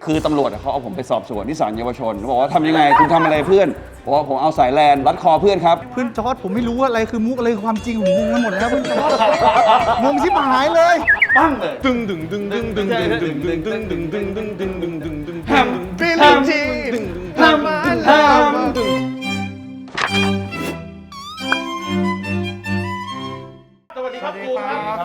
คือตำรวจเขาเอาผมไปสอบสวนที่ศาลเยาวชนบอกว่าทำยังไงคุณทำอะไรเพื่อนบอกว่าผมเอาสายแลนรัดคอเพื่อนครับเพื่อนจอร์ดผมไม่รู้ว่าอะไรคือมุกอะไรคือความจริงผมงงไปหมดแล้วเพื่อนจอร์ดงงชิบหายเลยปั้งเลยดึงดึงดึงดึงดึงดึงดึงดึงดึงดึงดึงดึงดึงดึงดึงดึงทำบิลลี่จีทำสวัสดีครับครูครับ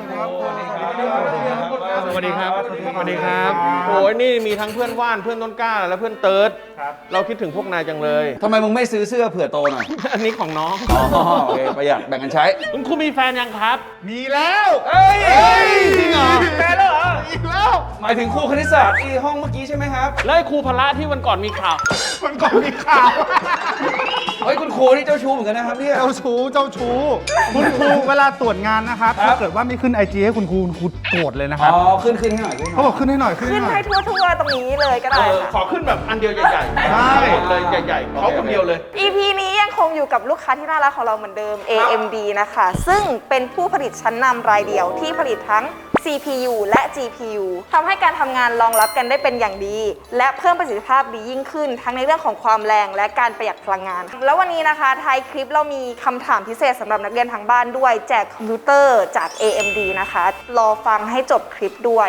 สวัสดีครับสวัสดีครับโอ้ยนี่มีทั้งเพื่อนว่านเพื่อนต้นกล้าและเพื่อนเติร์ดเราคิดถึงพวกนายจังเลยทำไมมึงไม่ซื้อเสื้อเผื่อโตหน่อยอันนี้ของน้องอ๋อโอเคประหยัดแบ่งกันใช้คุณครูมีแฟนยังครับมีแล้วเอ้ยจริงเหรอแฟนแล้วเหรออีกแล้วหมายถึงครูคณิตศาสตร์ที่ห้องเมื่อกี้ใช่ไหมครับแล้วไอ้ครูพละที่วันก่อนมีข่าวมันก่อนมีข่าวเฮ้ยคุณครูนี่เจ้าชู้เหมือนกันนะครับเนี่ยเจ้าชู้คุณครูเวลาตรวจงานนะครับครับถ้าเกิดว่าไม่ขึ้น IG ให้คุณครูโกรธเลยนะคอ๋รับอขึ้นให้หน่อยเขาบอกขึ้นให้หน่อยขึ้นให้ทั่วๆตรงนี้เลยก็ได้ค่ะขอขึ้นแบบอันเดียวใหญ่ๆใช่เลยใหญ่ๆเขาคนเดียวเลย EP นี้ยังคงอยู่กับลูกค้าที่น่ารักของเราเหมือนเดิม AMD นะคะ ซึ่งเป็นผู้ผลิตชั้นนำรายเดียวที่ผลิตทั้ง CPU และ GPU ทำให้การทำงานรองรับกันได้เป็นอย่างดี และเพิ่มประสิทธิภาพดียิ่งขึ้น ทั้งในเรื่องของความแรงและการประหยัดพลังงาน แล้ววันนี้นะคะท้ายคลิปเรามีคำถามพิเศษสำหรับนักเรียนทางบ้านด้วย แจกคอมพิวเตอร์จาก AMD นะคะ รอฟังให้จบคลิปด้วย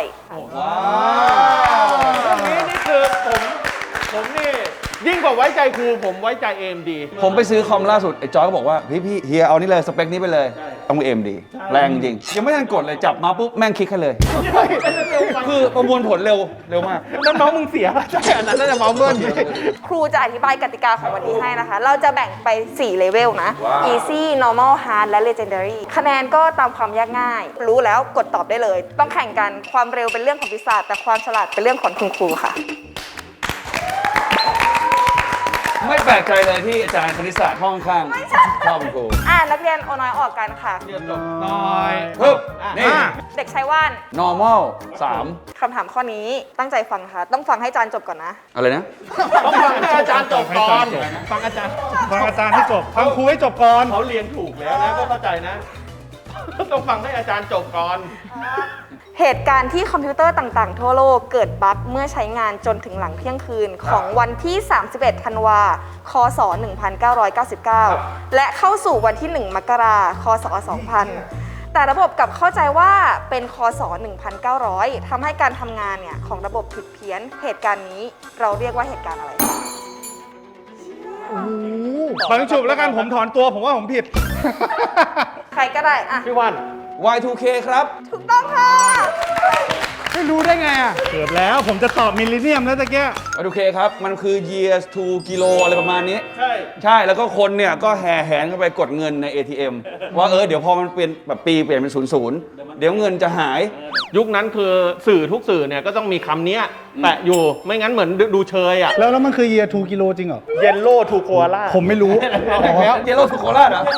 เรื่องนี้นี่คือผมนี่ยิ่งกว่าไว้ใจครูผมไว้ใจ AMD ผมไปซื้อคอมล่าสุดไอ้จอยก็บอกว่าพี่เฮียเอานี่เลยสเปคนี้ไปเลยต้องเอ็มดีแรงจริงยังไม่ทันกดเลยจับมาปุ๊บแม่งคลิกให้เลยคือประมวลผลเร็วมากนั่นน้องมึงเสียใช่อันนั้นน่าจะเมาเบิ้ลครูจะอธิบายกติกาของวันนี้ให้นะคะ เราจะแบ่งไป 4 เลเวลนะ Easy Normal Hard และ Legendary คะแนนก็ตามความยากง่าย รู้แล้วกดตอบได้เลย ต้องแข่งกัน ความเร็วเป็นเรื่องของวิชาแต่ความฉลาดเป็นเรื่องของคุณครูค่ะไม่แปลกใจเลยที่อาจารย์คณิตศาสตร์ห้องข้างชอบคุณครูนักเรียนโอน้อยออกกันค่ะน้อยปึ๊บนี่เด็กชายว่าน normal 3 คำถามข้อนี้ตั้งใจฟังค่ะ ต้องฟังให้อาจารย์จบก่อนนะอะไรนะต้องฟังให้อาจารย์จบก่อนฟังอาจารย์ฟังอาจารย์ให้จบฟังครูให้จบก่อนเขาเรียนถูกแล้วนะก็เข้าใจนะ ต้องฟังให้อาจารย์จบก่อนเหตุการณ์ที่คอมพิวเตอร์ต่างๆ ทั่วโลกเกิดบั๊กเมื่อใช้งานจนถึงหลังเที่ยงคืนของวันที่ 31 ธันวาคศ 1999 และเข้าสู่วันที่ 1 มกราคศ 2000 แต่ระบบกลับเข้าใจว่าเป็นคศ 1900 ทำให้การทำงานเนี่ยของระบบผิดเพี้ยน เหตุการณ์นี้เราเรียกว่าเหตุการณ์อะไรฟังฉุบแล้วกันผมถอนตัวผมว่าผมผิดใครก็ได้อะพี่วัน Y2K ครับถูกต้องค่ะไม่รู้ได้ไงอ่ะเกือบแล้วผมจะตอบมิลลิเนียมแล้วตะเกีย Y2K ครับมันคือ years to kilo อะไรประมาณนี้ใช่ใช่แล้วก็คนเนี่ยก็แห่แหนเข้าไปกดเงินใน ATM ว่าเดี๋ยวพอมันเปลี่ยนแบบปีเปลี่ยนเป็น00เดี๋ยวเงินจะหายยุคนั้นคือสื่อทุกสื่อเนี่ยก็ต้องมีคำนี้แปะอยู่ไม่งั้นเหมือนดูเชยอ่ะแล้วมันคือเยียร์2กิโลจริงเหรอเยลโล่ทูโคอาล่าผมไม่รู้แล้วเจโร่สุโคราชเหรอ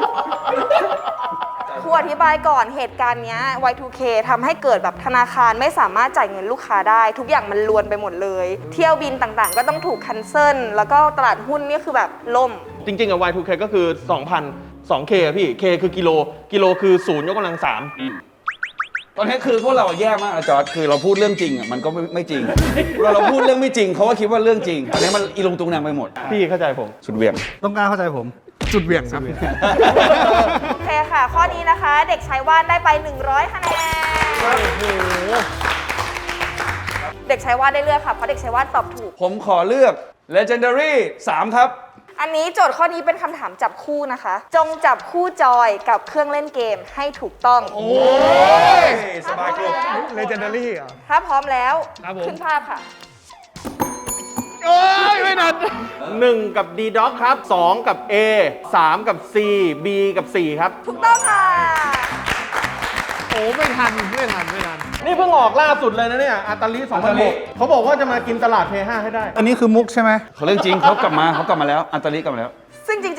ครูอธิบายก่อนเหตุการณ์เนี้ย Y2K ทำให้เกิดแบบธนาคารไม่สามารถจ่ายเงินลูกค้าได้ ทุกอย่างมันลวนไปหมดเลย เที่ยวบินต่างๆ ก็ต้องถูกคันเซิลแล้วก็ตลาดหุ้นนี่คือแบบล่มจริงๆอะ Y2K ก็คือ 2,000 2K อะพี่ K คือกิโล กิโลคือ0ยกกำลัง3 ตอนนี้คือพวกเราแย่มากนะจอร์จคือเราพูดเรื่องจริงอ่ะมันก็ไม่จริงเราพูดเรื่องไม่จริงเขาก็คิดว่าเรื่องจริงอันนี้มันอีลงตุงนางไปหมดพี่เข้าใจผมสุดเหวี่ยงต้องการเข้าใจผม จุดเหวี่ยงครับโอเคค่ะ ข้อนี้นะคะ เด็กชายว่านได้ไป 100 คะแนน เด็กชายว่านได้เลือกค่ะ เพราะเด็กชายว่านตอบถูกผมขอเลือก legendary 3 ครับอันนี้โจทย์ข้อนี้เป็นคำถามจับคู่นะคะ จงจับคู่จอยกับเครื่องเล่นเกมให้ถูกต้องโอ้ยสบายกรุบเลเจนดารี่เหรอถ้าพร้อมแล้วครับผมขึ้นภาพค่ะโอ้ยไม่นัด 1 กับ D Doc ครับ 2 กับ A 3 กับ C B กับ 4 ครับถูกต้องค่ะโอ้ไม่ทันนี่เพิ่งออกล่าสุดเลยนะเนี่ยอาตาลี2006เขาบอกว่าจะมากินตลาด P5 ให้ได้อันนี้คือมุกใช่ไหมเขาเรื่องจริงเขากลับมาแล้วอันตาลิกลับมาแล้วซึ่งจริงๆ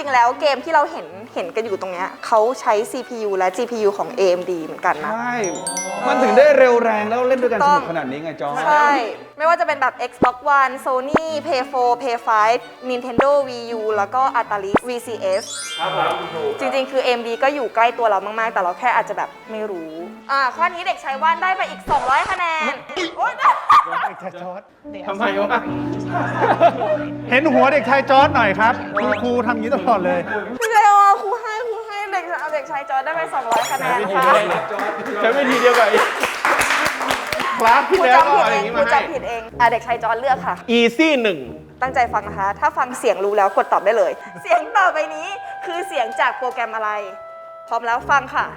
แล้วเกมที่เราเห็นกันอยู่ตรงเนี้ยเขาใช้ CPU และ GPU ของ AMD เหมือนกันนะใช่ มันถึงได้เร็วแรงแล้วเล่นด้วยกันสนุกขนาดนี้ไงจอใช่ ไม่ว่าจะเป็นแบบ Xbox One Sony Play 4 Play 5 Nintendo Wii U แล้วก็ Atari VCS จริงๆ คือ AMD ก็อยู่ใกล้ตัวเรามากๆ แต่เราแค่อาจจะแบบไม่รู้ ข้อนี้เด็กชายว่านได้ไปอีก 200 คะแนน โอ๊ยเด็กชายจอร์ดทำไมวะเห็นหัวเด็กชายจอร์ดหน่อยครับครูทำอย่างนี้ตลอดเลยไม่ใช่ว่าครูให้เด็กชายจอร์จได้ไป 200 คะแนนค่ะใช้วิธีเดียวกับไอ้คลาสคที่รูแล้วจำผิดอะไรเออย่าง งี้ครูมาให้จำผิดเองเด็กชายจอร์จเลือกค่ะ easy 1 ตั้งใจฟังนะคะ ถ้าฟังเสียงรู้แล้วกดตอบได้เลย เสียงต่อไปนี้คือเสียงจากโปรแกรมอะไร พร้อมแล้วฟังค่ะ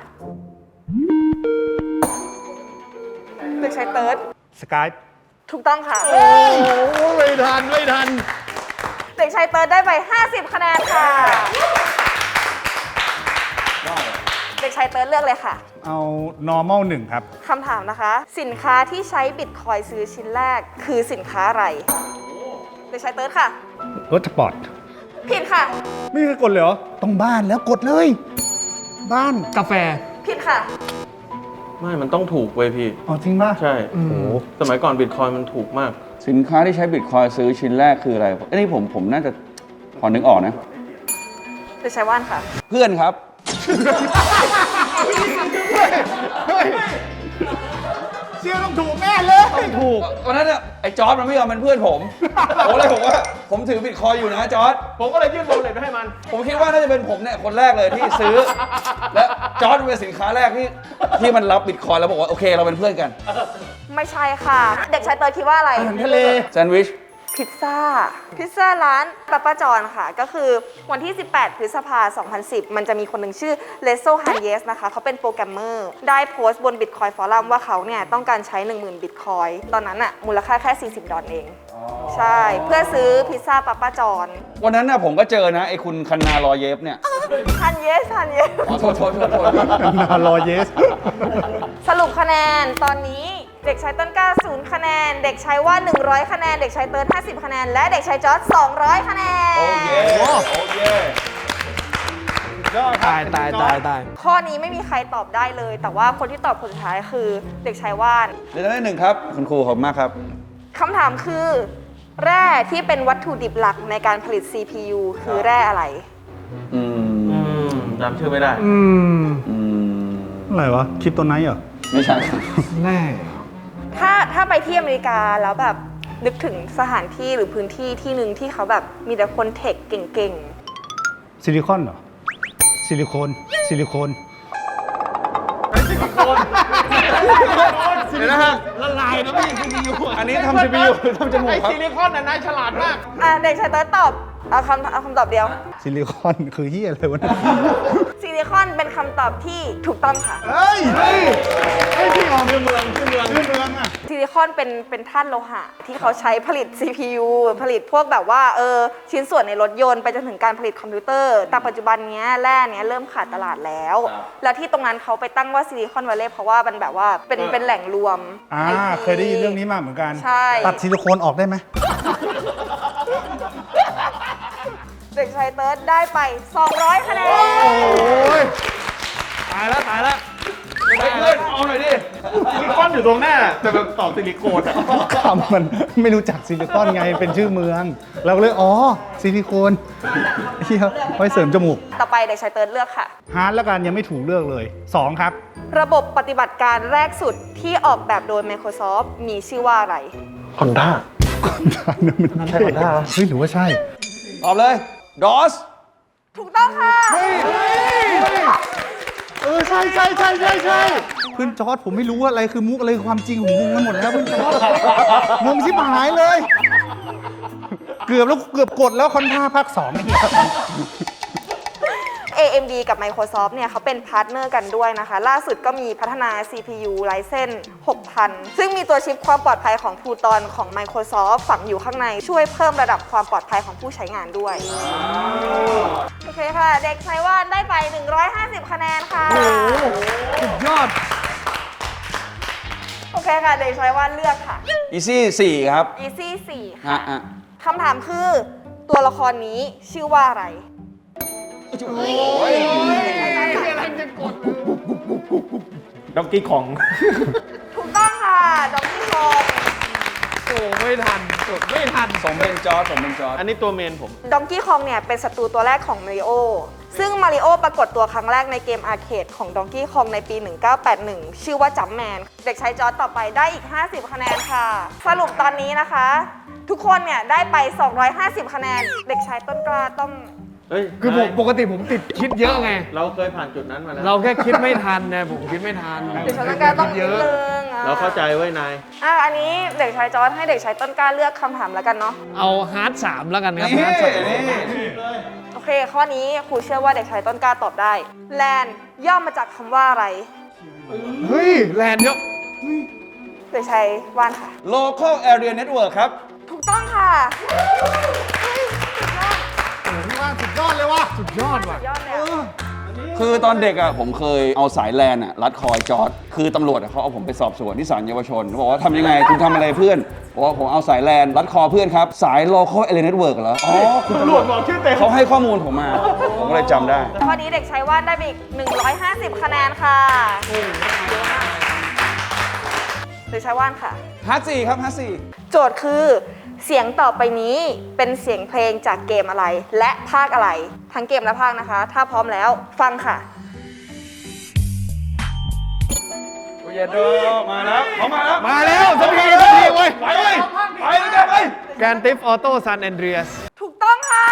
เด็กชายเติร์ดสกายถูกต้องค่ะโอ้ไม่ทันเด็กชายเติร์ดได้ไป 50 คะแนนค่ะ เด็กชายเติร์ดเลือกเลยค่ะเอา normal 1 ครับคำถามนะคะ สินค้าที่ใช้บิตคอยน์ซื้อชิ้นแรกคือสินค้าอะไร เด็กชายเติร์ดค่ะรถสปอร์ตผิดค่ะไม่เคยกดเลยเหรอ ต้องบ้านแล้วกดเลย บ้านกาแฟผิดค่ะไม่ มันต้องถูกเว้ยพี่อ๋อจริงป่ะใช่โอ้โหสมัยก่อนบิตคอยมันถูกมากสินค้าที่ใช้บิตคอยซื้อชิ้นแรกคืออะไรอันนี้ผมน่าจะพอนึกออกนะเด็กชายว่านค่ะเพื่อนครับเชื่อต้องถูกแน่เลยถูกวันนั้นเนี่ยไอ้จอร์ดมันไม่ยอมเป็นเพื่อนผมผมเลยบอกว่าผมถือบิตคอยอยู่นะจอร์ดผมก็เลยยื่นโบเลตไปให้มันผมคิดว่าน่าจะเป็นผมเนี่ยคนแรกเลยที่ซื้อ และจอร์ดเป็นสินค้าแรกที่มันรับบิตคอยแล้วบอกว่าโอเคเราเป็นเพื่อนกันไม่ใช่ค่ะ เด็กชายเติร์ดคิดว่าอะไรทะเลแซนด์วิชพิซซ่าร้านปาป้าจอนค่ะ ก็คือวันที่ 18 พฤษภาคม 2010 มันจะมีคนหนึ่งชื่อเลโซฮันเยสนะคะ เขาเป็นโปรแกรมเมอร์ ได้โพสต์บน Bitcoin Forum ว่าเขาเนี่ยต้องการใช้ 10,000 Bitcoin ตอนนั้นอะมูลค่าแค่ 40 ดอลลาร์เอง ใช่ เพื่อซื้อพิซซ่าปาป้าจอนวันนั้นน่ะผมก็เจอนะไอ้คุณคันนารอเยฟเนี่ยฮันเยสอ๋อโทษนารอเยสสรุปคะแนนตอนนี้เด็กชายต้นกล้า0 คะแนน เด็กชายว่า 100 คะแนน เด็กชายเติร์ด50 คะแนน และเด็กชายจอร์จ200 คะแนนโอเคโอเคตายข้อนี้ไม่มีใครตอบได้เลย แต่ว่าคนที่ตอบคนสุดท้ายคือเด็กชายว่านเดี๋ยวได้หนึ่งครับ คุณครูขอบคุณมากครับคำถามคือ แร่ที่เป็นวัตถุดิบหลักในการผลิต CPU คือแร่อะไรอืมจำชื่อไม่ได้อืมอะไรวะ คลิปตัวไหนเหรอไม่ใช่แร่ถ้าไปที่อเมริกาแล้วแบบนึกถึงสถานที่หรือพื้นที่ที่หนึ่งที่เขาแบบมีแต่คนเทคเก่งซิลิคอนเหรอ ซิลิโคน ซิลิโคนเดี๋ยวนะฮะละลายนะพี่ซีพียูอันนี้ทำ CPU ทำจมูกไอครับซิลิคอนน่ะนายฉลาดมากเด็กชายเติร์ดตอบเอาคำตอบเดียวซิลิคอนคือเฮียอะไรวะเนี่ยซิลิคอนเป็นคำตอบที่ถูกต้องค่ะเฮ้ยที่ออกชื่อเมืองชื่อเมืองอ่ะซิลิคอนเป็นธาตุโลหะ ที่เขาใช้ผลิต CPU ผลิตพวกแบบว่าชิ้นส่วนในรถยนต์ไปจนถึงการผลิตคอมพิวเตอร์ แต่ปัจจุบันเนี้ยแร่เนี้ยเริ่มขาดตลาดแล้ว แล้วที่ตรงนั้นเขาไปตั้งว่าซิลิคอนวัลเลย์เพราะว่ามันแบบว่าเป็นแหล่งรวม IT เคยได้ยินเรื่องนี้มาเหมือนกันใช่ตัดซิลิโคนออกได้ไหมเด็กชายเติร์ดได้ไป 200 คะแนนตายแล้วเฮ้ยเพื่อนเอาหน่อยดิซิลิคอนอยู่ตรงหน้า แต่แบบตอบซิลิโคนอะคำมันไม่รู้จักซิลิคอนไงเป็นชื่อเมือง เราก็เลยซิลิโคนเฮียไว้เสริมจมูกต่อไปเด็กชายเติร์ดเลือกค่ะฮาร์ดแล้วกันยังไม่ถูกเลือกเลย 2 ครับระบบปฏิบัติการแรกสุดที่ออกแบบโดย Microsoft มีชื่อว่าอะไรฮอนด้ามันใช่ได้เฮ้ยหรือว่าใช่ตอบเลย DOS ถูกต้องค่ะใช่เพื่อนจอร์ดผมไม่รู้ว่าอะไรคือมุกอะไรคือความจริงผมงงกันหมดแล้วเพื่อนจอร์ดงงชิบหายเลย เกือบกดแล้วคอนท่าภาค2เนี่ย AMD กับ Microsoft เนี่ยเขาเป็นพาร์ทเนอร์กันด้วยนะคะ ล่าสุดก็มีพัฒนา CPU Ryzen 6000 ซึ่งมีตัวชิปความปลอดภัยของ Pluton ของ Microsoft ฝังอยู่ข้างในช่วยเพิ่มระดับความปลอดภัยของผู้ใช้งานด้วย โอเคค่ะ เด็กชายว่านได้ไป 150 คะแนนค่ะสุดยอดโอเคค่ะ เด็กชายว่านเลือกค่ะ Easy 4 ครับ Easy 4 ฮะค่ะ คำถามคือตัวละครนี้ชื่อว่าอะไรด็อกกี้ของถูกต้องค่ะดองกี้คองโอ้ไม่ทันจดไม่ทันสมเป็นจอร์จสมเป็นจอร์จอันนี้ตัวเมนผมดองกี้คองเนี่ยเป็นศัตรูตัวแรกของมาริโอซึ่งมาริโอปรากฏตัวครั้งแรกในเกมอาร์เคดของดองกี้คองในปี 1981 ชื่อว่าจัมแมนเด็กชายจอร์จต่อไปได้อีก 50 คะแนนค่ะ สรุปตอนนี้นะคะ ทุกคนเนี่ยได้ไป 250 คะแนน เด็กชายต้นกล้าต้องเฮ้ยคือผมปกติผมติดคิดเยอะไงเราเคยผ่านจุดนั้นมาแล้วเราแค่คิดไม่ทันนะผมคิดไม่ทันเด็กชายต้นกล้าต้องนิดนึงเราเข้าใจไว้นายอันนี้เด็กชายจอร์จให้เด็กชายต้นกล้าเลือกคำถามแล้วกันเนาะเอาฮาร์ด3แล้วกันครับนี่ฮาร์ดสามนี่โอเค ข้อนี้ครูเชื่อว่าเด็กชายต้นกล้าตอบได้แลนย่อมาจากคำว่าอะไรเฮ้ยแลนด์เยอะเด็กชายว่านค่ะ local area network ครับถูกต้องค่ะพี่ว่าสุดยอดเลยว่ะสุดยอดว่ะยอดเลยอะคือตอนเด็กอ่ะผมเคยเอาสายแลนอ่ะรัดคอยจอร์ดคือตำรวจอะเขาเอาผมไปสอบสวนที่ศาลเยาวชนเขาบอกว่าทำยังไงคุณทำอะไรเพื่อนบอกว่าผมเอาสายแลนรัดคอเพื่อนครับ สาย local area network เหรออ๋อคุณตำรวจบอกชื่อเต็มเขาให้ข้อมูลผมมา ผมก็เลยจำได้ข้อนี้เด็กชายว่านได้ไปอีก 150 คะแนนค่ะเยอะมากเด็กชายว่านค่ะฮัสซี่ครับฮัสซี่โจทย์คือเสียงต่อไปนี้เป็นเสียงเพลงจากเกมอะไร และภาคอะไร ทั้งเกมและภาคนะคะ ถ้าพร้อมแล้วฟังค่ะโอ้ยโดมาแล้วเขามาแล้วมาแล้วสักทีเว้ยไปเลยไปเลยไปแกรนติฟออโต้ซันแอนเดรียสถูกต้องค่ะ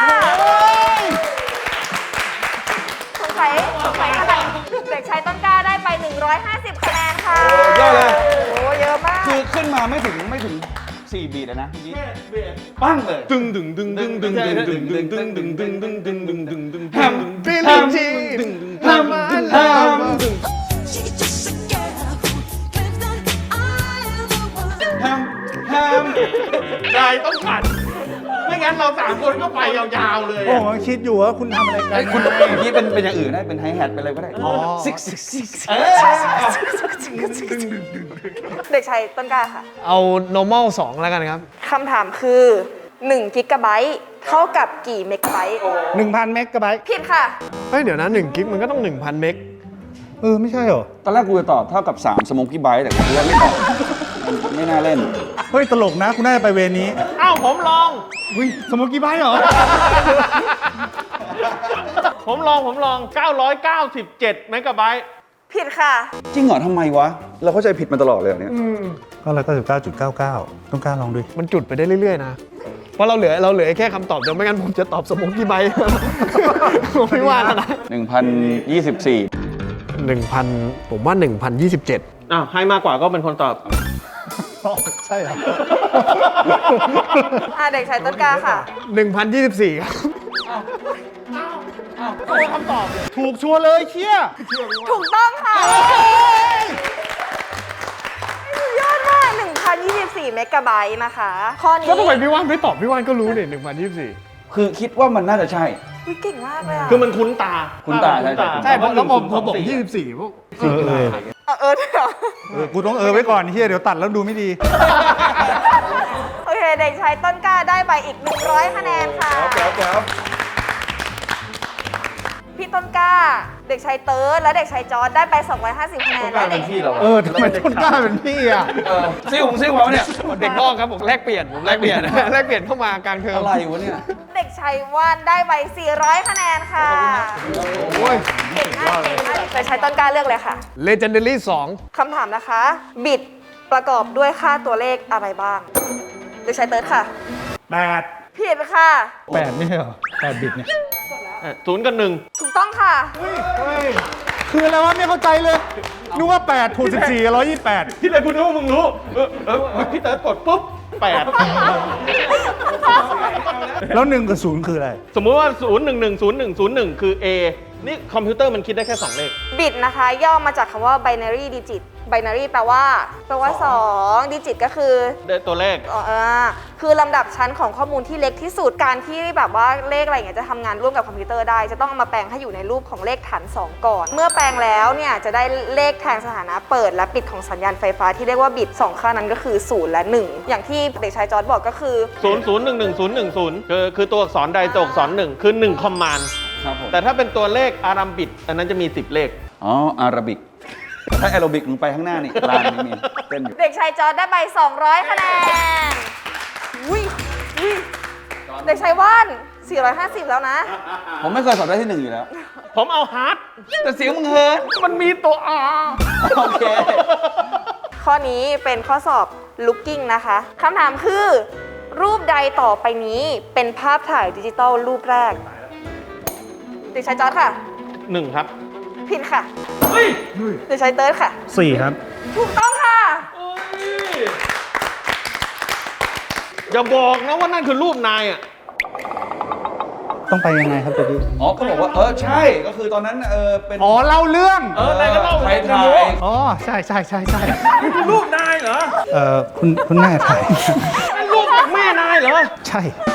สงสัยอะไรเด็กชายต้นกล้าได้ไป 150 คะแนนค่ะยอดเลยโอ้เยอะมากคือขึ้นมาไม่ถึง4 บีทนะเมื่อกี้ปั้งเลยดึงดึงดึงดึงดึงดึงดึงดึงดึงดึงดึงดึงดึงดึงดึงดึงแฮมฟิลแฮมจีแฮมแฮม She's just a girl who claims that I am the one. แฮมแฮมนายต้องผ่านไม่งั้นเรา3 คนก็ไปยาวๆเลยโอ้ผมคิดอยู่ว่าคุณทำอะไรกันไอ้คุณเมื่อกี้เป็นอย่างอื่นได้เป็นไฮแฮทเป็นอะไรก็ได้ซิกเด็กชายต้นกล้าค่ะเอา normal 2 แล้วกันครับคำถามคือ1กิกะไบต์เท่ากับกี่เมกะไบต์ 1,000 เมกะไบต์ผิดค่ะเฮ้ย เดี๋ยวนะ1กิกมันก็ต้อง 1,000 เมกไม่ใช่เหรอตอนแรกกูจะตอบเท่ากับ3สโมกี้ไบต์แต่กูเล่นไม่ตอบมันไม่น่าเล่นเฮ้ย ตลกนะ คุณน่าจะไปเวรนี้อ้าวผมลองอุ้ยสโมกี้ไบต์เหรอผมลอง 997 เมกะไบต์ผิดค่ะจริงเหรอทำไมวะ เราเข้าใจผิดมาตลอดเลยเนี่ยก็เลย99.99 ต้องกล้าลองด้วยมันจุดไปได้เรื่อยๆนะ เพราะเราเหลือแค่คำตอบเดียวไม่งั้นผมจะตอบสมองกี่ใบ ผมไม่ว่าแล้วนะ 1,024 1,000 ผมว่า 1,027 อ้าวให้มากกว่าก็เป็นคนตอบใช่เหรอเด็กชายต้นกล้าค่ะ 1,024 ครับถูกชัวร์เลยเชี่ยถูกต้องค่ะสุดยอดมาก 1,024 เมกะไบต์นะคะ ข้อนี้ก็ทำไมพี่ว่านไม่ตอบพี่ว่านก็รู้เนี่ย1,024 คือคิดว่ามันน่าจะใช่อุ๊ยเก่งมากเลยอะคือมันคุ้นตาคุ้นตาใช่ใช่เพราะแล้วผมบอก24พวกเดี๋ยว กูต้องไว้ก่อนเฮียเดี๋ยวตัดแล้วดูไม่ดีโอเค เด็กชายต้นกล้าได้ไปอีก 100 คะแนนค่ะ พี่ต้นกล้า เด็กชายเติร์ดและเด็กชายจอร์ดได้ไป 250 คะแนนและเด็กพี่เราทำไมต้นกล้าเป็นพี่อ่ะซิ่วเขาเนี่ยเด็กนอกครับผมแลกเปลี่ยนแลกเปลี่ยนเข้ามากลางเทอมอะไรวะเนี่ยเด็กชายว่านได้ไป 400 คะแนนค่ะโอ้ยเก่งมากเก่งมากเด็กชายต้นกล้าเลือกเลยค่ะ Legendary คำถามนะคะ บิตประกอบด้วยค่าตัวเลขอะไรบ้าง เด็กชายเติร์ดค่ะ 8 ผิดค่ะ 8นี่เหรอ8 บิตเนี่ย 0 กับ 1 ถูกต้องค่ะคืออะไรวะไม่เข้าใจเลยนึกว่า8ถูก14กับ128 ที่เลยคุณรู้ว่ามึงรู้พี่เต๋อกดปุ๊บ 8 แล้ว1กับ0คืออะไรสมมุติว่า 0110101 คือ A นี่คอมพิวเตอร์มันคิดได้แค่ 2 เลขบิตนะคะ ย่อมาจากคำว่า binary digit binary แปลว่า 2 digit ก็คือได้ตัวเลขคือลำดับชั้นของข้อมูลที่เล็กที่สุด การที่แบบว่าเลขอะไรอย่างเงี้ยจะทำงานร่วมกับคอมพิวเตอร์ได้ จะต้องเอามาแปลงให้อยู่ในรูปของเลขฐาน 2 ก่อน เมื่อแปลงแล้วเนี่ยจะได้เลขแทนสถานะเปิดและปิดของสัญญาณไฟฟ้าที่เรียกว่าบิต2ค่านั้นก็คือ0และ1อย่างที่เด็กชายจอร์จบอกก็คือ 0011010คือตัวอักษรใดตัวอักษร1คือ1คอมมานด์ครับผมแต่ถ้าเป็นตัวเลขอารัมบิกอันนั้นจะมี 10 เลขอ๋ออาราบิกถ้าแอโรบิกมึงไปข้างหน้านี่ลานนี้มีเต้นอยู่เด็กชายจอร์ดได้ไป 200 คะแนนอุ้ยเด็กชายว่าน 450 แล้วนะผมไม่เคยสอบได้ที่ 1 อยู่แล้วผมเอาฮาร์ดแต่เสียงมึงเฮิร์ตมันมีตัว R โอเคข้อนี้เป็นข้อสอบ looking นะคะคำถามคือ รูปใดต่อไปนี้เป็นภาพถ่ายดิจิตอลรูปแรก เด็กชายจอร์ดค่ะ 1 ครับผิดค่ะ เด็กชายเติร์ดค่ะ 4 ครับถูกต้องค่ะอย่าบอกนะว่านั่นคือรูปนายอ่ะต้องไปยังไงครับตะกี้อ๋อก็บอกว่าใช่ก็คือตอนนั้นเป็นอ๋อเล่าเรื่องนายก็เล่าใครถ่ายอ๋อใช่ใช่ใช่ใช่รูปนายเหรอคุณแม่ถ่ายนั่นรูปจากแม่นายเหรอใช่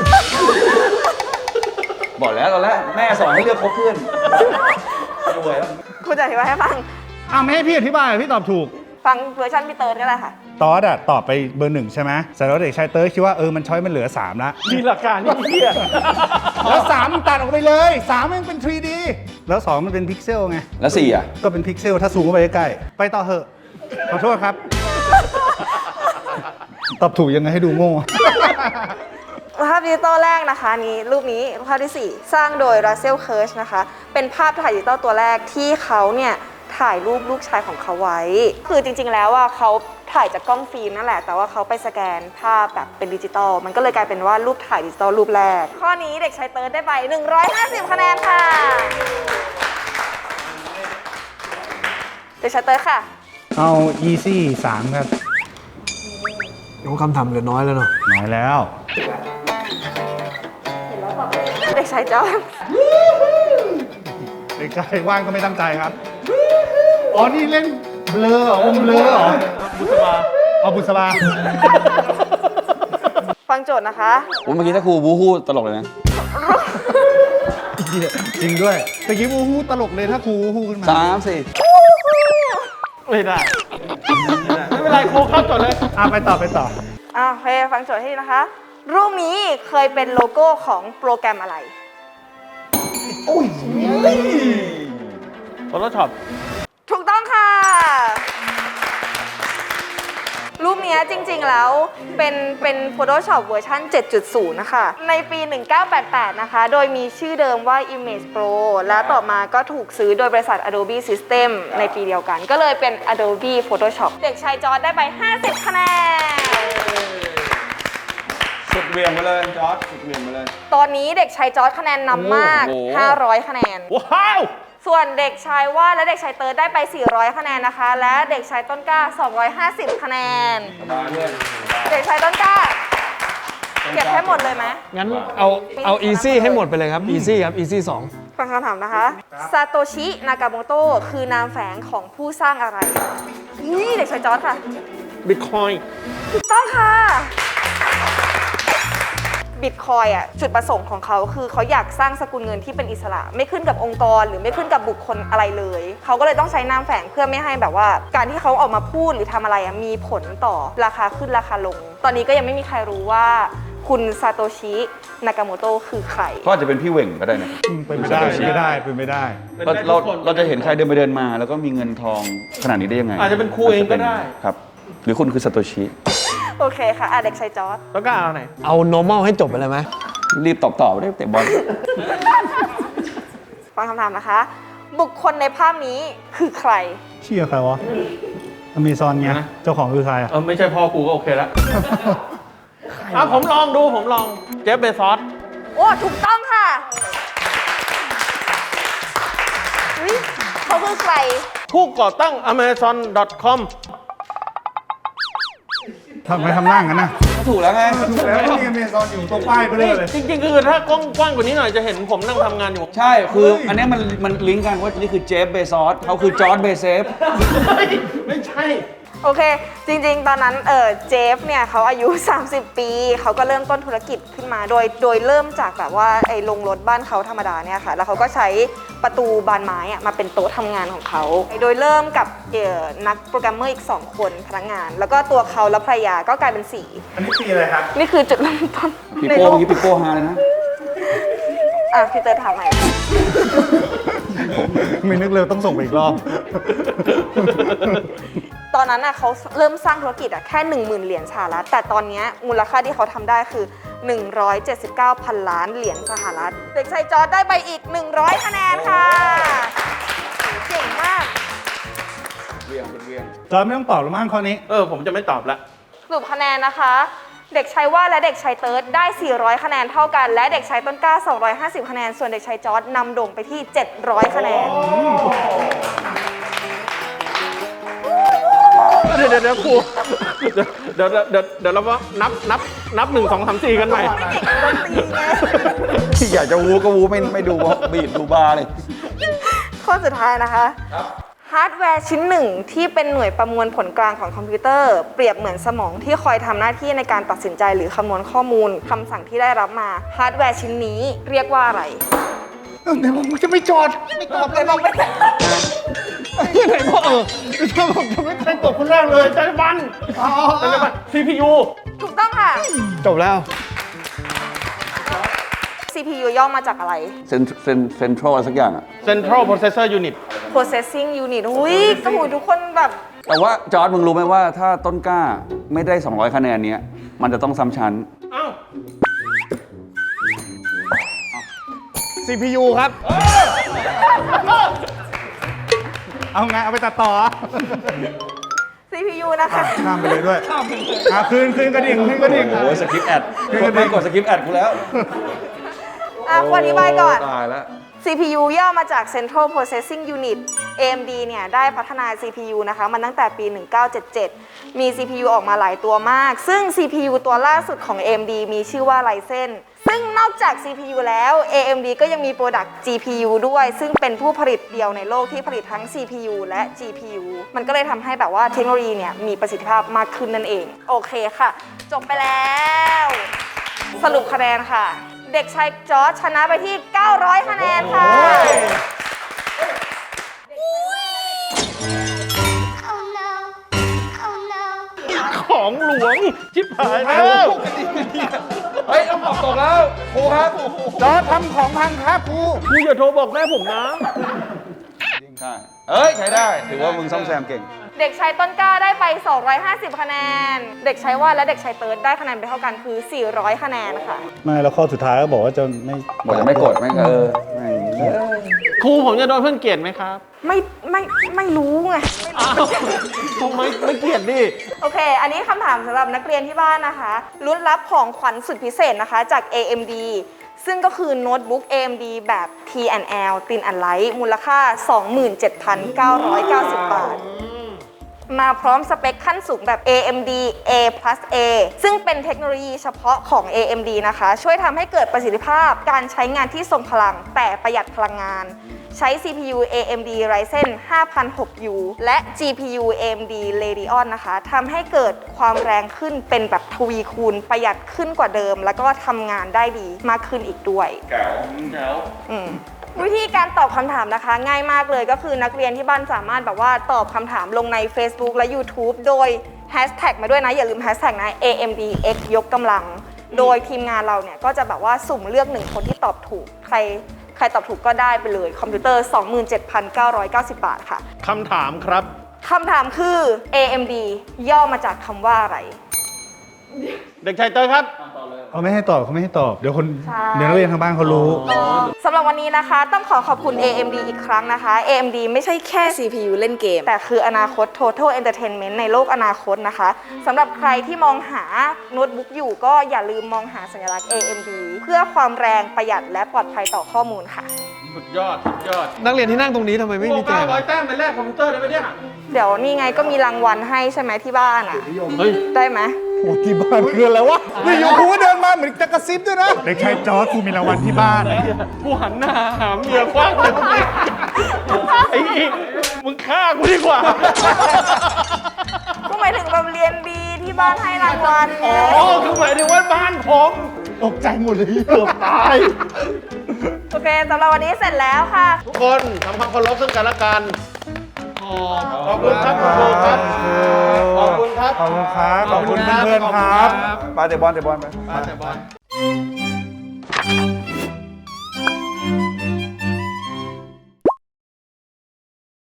บอกแล้วตอนแรกแม่สอนให้เลือกคบเพื่อนรวยแล้วคุณจะอธิบายให้ฟังไม่ให้พี่อธิบายพี่ตอบถูกฟังเวอร์ชันพี่เติร์ดก็ได้ค่ะตอสอะตอบไปเบอร์ 1 ใช่ไหมแต่แล้วเด็กชายเติร์ดคิดว่ามันช้อยมันเหลือ 3 ละมีหลักการที่เหี้ยแล้ว 3 มันตัดออกไปเลย 3 มันเป็น 3D แล้ว 2 มันเป็นพิกเซลไงแล้ว4อ่ะก็เป็นพิกเซลถ้าซูมเข้าไปใกล้ๆไปต่อเหอะ ขอโทษครับ ตอบถูกยังไงให้ดูโง่ภาพดิจิตอลแรกนะคะรูปนี้ภาพที่ 4 สร้างโดยรัสเซลเคิร์ชนะคะ เป็นภาพถ่ายดิจิตอลตัวแรกที่เขาเนี่ยถ่ายรูปลูกชายของเขาไว้ คือจริงๆแล้วว่าเขาถ่ายจากกล้องฟิล์มนั่นแหละ แต่ว่าเขาไปสแกนภาพแบบเป็นดิจิตอลมันก็เลยกลายเป็นว่ารูปถ่ายดิจิตอลรูปแรก ข้อนี้เด็กชายเติร์ดได้ไป 150 คะแนนค่ะ เด็กชายเติร์ดค่ะเอา easy 3 ครับน้องคำถามเหลือน้อยแล้วเนาะน้อยแล้วเด็กชายจอร์ดเด็กชายว่างก็ไม่ตั้งใจครับ อ๋อ นี่เล่นเบลอเหรอวงเบลอเหรอบุษบาเอาบุษบาฟังโจทย์นะคะโอ้เมื่อกี้ถ้าครูบูฮู้ตลกเลยนะจริงด้วยตะกี้วูฮู้ตลกเลยถ้าครูวูฮู้ขึ้นมา 3 4 ไม่ได้ ไม่เป็นไรโคเข้าจดเลยไปต่อไปต่อโอเคฟังโจทย์ให้ดีนะคะ รูปนี้เคยเป็นโลโก้ของโปรแกรมอะไร Photoshop ถูกต้องค่ะ รูปเนี้ยจริงๆแล้วเป็น Photoshop เวอร์ชัน 7.0 นะคะ ในปี 1988 นะคะ โดยมีชื่อเดิมว่า Image Pro และต่อมาก็ถูกซื้อโดยบริษัท Adobe System ในปีเดียวกัน ก็เลยเป็น Adobe Photoshop เด็กชายจอร์ดได้ไป 50 คะแนนสุดเหวียงไปเลยจอร์ดสุดเหวียงไปเลยตอนนี้เด็กชายจอร์ดคะแนนนำมากโอ้โห 500 คะแนนว้าวส่วนเด็กชายว่านและเด็กชายเติร์ดได้ไป 400 คะแนนนะคะ และเด็กชายต้นกล้า 250 คะแนนมาเพื่อนเด็กชายต้นกล้า เก็บให้หมดเลยไหมงั้นเอา easy ให้หมดไปเลยครับ easy ครับ easy 2 ฟังคำถามนะคะซาโตชิ นากาโมโตะคือนามแฝงของผู้สร้างอะไรนี่เด็กชายจอร์ดค่ะ Bitcoin ถูกต้องค่ะ บิตคอยอ่ะจุดประสงค์ของเขาคือเขาอยากสร้างสกุลเงินที่เป็นอิสระ ไม่ขึ้นกับองค์กรหรือไม่ขึ้นกับบุคคลอะไรเลย เขาก็เลยต้องใช้นามแฝงเพื่อไม่ให้แบบว่า การที่เขาออกมาพูดหรือทำอะไรอ่ะมีผลต่อราคาขึ้นราคาลง ตอนนี้ก็ยังไม่มีใครรู้ว่าคุณซาโตชิ นากาโมโตะคือใครก็อาจจะเป็นพี่เหว่งก็ได้นะเป็นไม่ได้เป็นไม่ได้เป็นไม่ได้เราจะเห็นใครเดินไปเดินมา แล้วก็มีเงินทองขนาดนี้ได้ยังไงอาจจะเป็นครูเองก็ได้ครับ หรือคุณคือซาโตชิโอเคค่ะเด็กชายจอร์ดแล้วก็เอาไหนเอา normal ให้จบไปเลยไหมรีบตอบได้เตะบอลฟังคำถามนะคะ บุคคลในภาพนี้คือใครเชี่ยใครวะอเมซอนไงนะเจ้าของคือใครอ่ะไม่ใช่พ่อกูก็โอเคแล้วผมลองดูผมลองเจฟเบซอสโอ้ ถูกต้องค่ะอุ๊ยเขาคือใครผู้ก่อตั้ง Amazon.com ทำไมทำหน้างั้นนะถูกแล้วไงถูกแล้วมีอเมซอนอยู่ตรงป้ายไปเลยเลยจริงๆคือถ้ากว้างกว่านี้หน่อยจะเห็นผมนั่งทำงานอยู่ใช่ คืออันเนี้ยมันลิงก์กันว่านี่คือเจฟเบซอสเขาคือจอร์ดเบเซฟไม่ใช่โอเค จริงๆ ตอนนั้นเจฟเนี่ยเขาอายุ 30 ปี เขาก็เริ่มต้นธุรกิจขึ้นมาโดยเริ่มจากแบบว่าไอ้โรงรถบ้านเขาธรรมดาเนี่ยค่ะ แล้วเขาก็ใช้ประตูบานไม้อะมาเป็นโต๊ะทำงานของเขา โดยเริ่มกับนักโปรแกรมเมอร์อีก 2 คนพนักงาน แล้วก็ตัวเขาและภรรยาก็กลายเป็นอันนี้ปีอะไรครับ 4 นี่คือจุดเริ่มต้นปีในโป้โลกเมื่อกี้ปีโป้ฮาเลยนะพี่เตอร์ถามใหม่ไม่นึกเลยต้องส่งไปอีกรอบตอนนั้นน่ะเขาเริ่มสร้างธุรกิจแค่ 10,000 เหรียญสหรัฐแต่ตอนเนี้ยมูลค่าที่เขาทำได้คือ 179,000 ล้านเหรียญสหรัฐเด็กชายจอร์จได้ไปอีก 100 คะแนนค่ะเก่งมากจอร์จไม่ต้องตอบแล้วมั้งข้อนี้ผมจะไม่ตอบละสรุปคะแนนนะคะ เด็กชายว่าและเด็กชายเติร์ดได้ 400 คะแนนเท่ากัน และเด็กชายต้นกล้า 250 คะแนน ส่วนเด็กชายจอร์จนำโด่งไปที่ 700 คะแนนเดี๋ยวครูเดี๋ยวเราว่านับ1 2 3 4กันใหม่ที่อยากจะวูก็วูไม่ดูบีดดูบาร์เลยข้อสุดท้ายนะคะฮาร์ดแวร์ชิ้นหนึ่งที่เป็นหน่วยประมวลผลกลางของคอมพิวเตอร์ เปรียบเหมือนสมองที่คอยทำหน้าที่ในการตัดสินใจหรือคำนวณข้อมูลคำสั่งที่ได้รับมาฮาร์ดแวร์ชิ้นนี้เรียกว่าอะไรเดี๋ยวผมจะไม่จอดไม่ตอบเลยบอกไม่ได้ไหนบอกชอบผมจะไม่เคยตอบคนแรกเลยใจบัน CPU ถูกต้องค่ะจบแล้ว CPU ย่อมาจากอะไรเซนทรัลสักอย่างอะ Central Processor Unit Processing Unit อุ้ยกระหูทุกคนแบบแต่ว่าจอร์ดมึงรู้ไหมว่าถ้าต้นกล้าไม่ได้ 200 คะแนนเนี้ยมันจะต้องซ้ำชั้นอ้าว CPU ครับเอาไงเอาไปตัดต่อ CPU นะคะข้ามไปเลยด้วยคืนกระดิ่งขึ้นกระดิ่งโอ้ยสคริปต์แอดกดสคริปต์แอดกูแล้วขออธิบายก่อนตายแล้ว CPU ย่อมาจาก Central Processing Unit AMD เนี่ยได้พัฒนา CPU นะคะมันตั้งแต่ปี 1977 มี CPU ออกมาหลายตัวมาก ซึ่ง CPU ตัวล่าสุดของ AMD มีชื่อว่า Ryzen ซึ่งนอกจาก CPU แล้ว AMD ก็ยังมีโปรดักต์ GPU ด้วย ซึ่งเป็นผู้ผลิตเดียวในโลกที่ผลิตทั้ง CPU และ GPU มันก็เลยทำให้แบบว่าเทคโนโลยีเนี่ยมีประสิทธิภาพมากขึ้นนั่นเอง โอเคค่ะ จบไปแล้ว สรุปคะแนนค่ะ เด็กชายจอร์จชนะไปที่ 900 คะแนนค่ะ Oh no. Oh no. ของหลวง ชิบหายแล้วเฮ้ยต้องตกแล้วครูครับจอร์จทำของพังครับครูครูอย่าโทรบอกแม่ผมนะใช่เอ้ย ใช้ได้ ถือว่ามึงซ่อมแซมเก่งเด็กชายต้นกล้าได้ไป 250 คะแนน เด็กชายว่าและเด็กชายเติร์ดได้คะแนนไปเท่ากันคือ 400 คะแนนค่ะไม่แล้วข้อสุดท้ายก็บอกว่าจะไม่บอกจะไม่กดไม่ไม่ครูผมจะโดนเพื่อนเกลียดไหมครับไม่รู้ไงอ้าวทำไมไม่เกลียดดิโอเค อันนี้คำถามสำหรับนักเรียนที่บ้านนะคะลุ้นรับของขวัญสุดพิเศษนะคะจาก AMD ซึ่งก็คือโน้ตบุ๊ก AMD แบบ T&L Thin and Light มูลค่า 27,990 บาท มาพร้อมสเปคขั้นสูงแบบ AMD A+A ซึ่งเป็นเทคโนโลยีเฉพาะของ AMD นะคะ ช่วยทำให้เกิดประสิทธิภาพการใช้งานที่ทรงพลังแต่ประหยัดพลังงาน ใช้ CPU AMD Ryzen 5006U และ GPU AMD Radeon นะคะทำให้เกิดความแรงขึ้นเป็นแบบทวีคูณประหยัดขึ้นกว่าเดิม แล้วก็ทำงานได้ดีมากขึ้นอีกด้วย วิธีการตอบคำถามนะคะ ง่ายมากเลยก็คือนักเรียนที่บ้านสามารถแบบว่าตอบคำถามลงใน Facebook และ YouTube โดยแฮชแท็กมาด้วยนะ อย่าลืมแฮชแท็กนะ AMDX ยกกำลัง โดยทีมงานเราเนี่ยก็จะแบบว่าสุ่มเลือก1คนที่ตอบถูก ใครตอบถูกก็ได้ไปเลยคอมพิวเตอร์ 27,990 บาทค่ะคำถามครับคำถามคือ AMD ย่อมาจากคำว่าอะไรเด็กชายเตอร์ครับเขาไม่ให้ตอบเขาไม่ให้ตอบ เดี๋ยวคนใช่เดี๋ยวนักเรียนทางบ้านเขารู้สำหรับวันนี้นะคะต้องขอบคุณ AMD อีกครั้งนะคะ AMD ไม่ใช่แค่ CPU เล่นเกม แต่คืออนาคต Total Entertainment ในโลกอนาคตนะคะสำหรับใครที่มองหาโน้ตบุ๊กอยู่ก็อย่าลืมมองหาสัญลักษณ์ AMD เพื่อความแรงประหยัดและปลอดภัยต่อข้อมูลค่ะสุดยอด สุดยอดนักเรียนที่นั่งตรงนี้ทำไมไม่มีแจกร้อยแต้มไปแลกคอมพิวเตอร์ได้ไหมเนี่ยเดี๋ยวนี่ไงก็มีรางวัลให้ใช่ไหมที่บ้านอ่ะเฮ้ยได้ไหมโอ้ที่บ้านคืออะไรวะนี่อยู่ครูก็เดินมาเหมือนจะกระซิบด้วยนะ เด็กชายจอร์จครูมีรางวัลที่บ้านกูหันหน้าหาเมียคว้างเลยไอ้อีกมึงฆ่ากูดีกว่าก็หมายถึงแบบเรียนดีที่บ้านให้รางวัลไงอ๋อ คือหมายถึงว่าบ้านผมตกใจหมดเลยเกือบตายโอเคสำหรับวันนี้เสร็จแล้วค่ะทุกคนทำความเคารพซึ่งกันและกัน ขอบคุณครับคุณครูครับ ขอบคุณครับขอบคุณครับ ขอบคุณเพื่อนๆครับไปเตะบอลไปมาแต่บอล